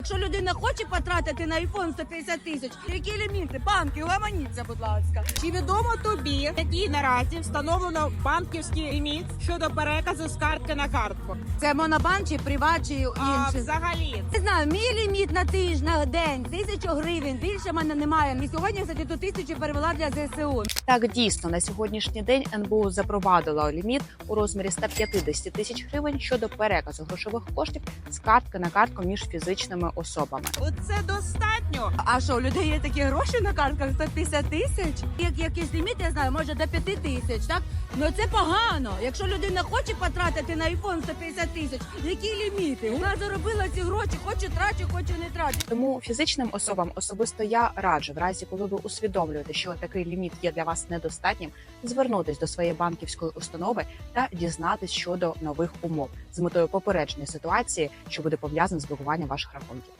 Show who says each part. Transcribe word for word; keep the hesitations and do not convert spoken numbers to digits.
Speaker 1: Якщо людина хоче потратити на айфон сто п'ятдесят тисяч, які ліміти? Банки, угаманіться, будь ласка.
Speaker 2: Чи відомо тобі, який наразі встановлено банківський ліміт щодо переказу з картки на картку?
Speaker 1: Це монобанк чи приват, чи
Speaker 2: А
Speaker 1: інший?
Speaker 2: взагалі,
Speaker 1: Не знаю, мій ліміт на тиждень, на день, тисячу гривень. Більше в мене немає. І сьогодні, кстати, ту тисячу перевела для ЗСУ.
Speaker 3: Так, дійсно, на сьогоднішній день ен бе у запровадило ліміт у розмірі ста п'ятдесят тисяч гривень щодо переказу грошових коштів з картки на картку між фізичними особами.
Speaker 2: це достатньо.
Speaker 1: А що, у людей є такі гроші на картках сто п'ятдесят тисяч? Як якийсь ліміт, я знаю, може до п'яти тисяч, так? Ну це погано. Якщо людина хоче потратити на айфон сто п'ятдесят тисяч, які ліміти? Вона заробила ці гроші, хочу трачу, хочу не трачу.
Speaker 3: Тому фізичним особам особисто я раджу, в разі коли ви усвідомлюєте, що такий ліміт є для вас недостатнім, звернутись до своєї банківської установи та дізнатись щодо нових умов з метою попередження ситуації, що буде пов'язана з блокуванням ваших рахунків.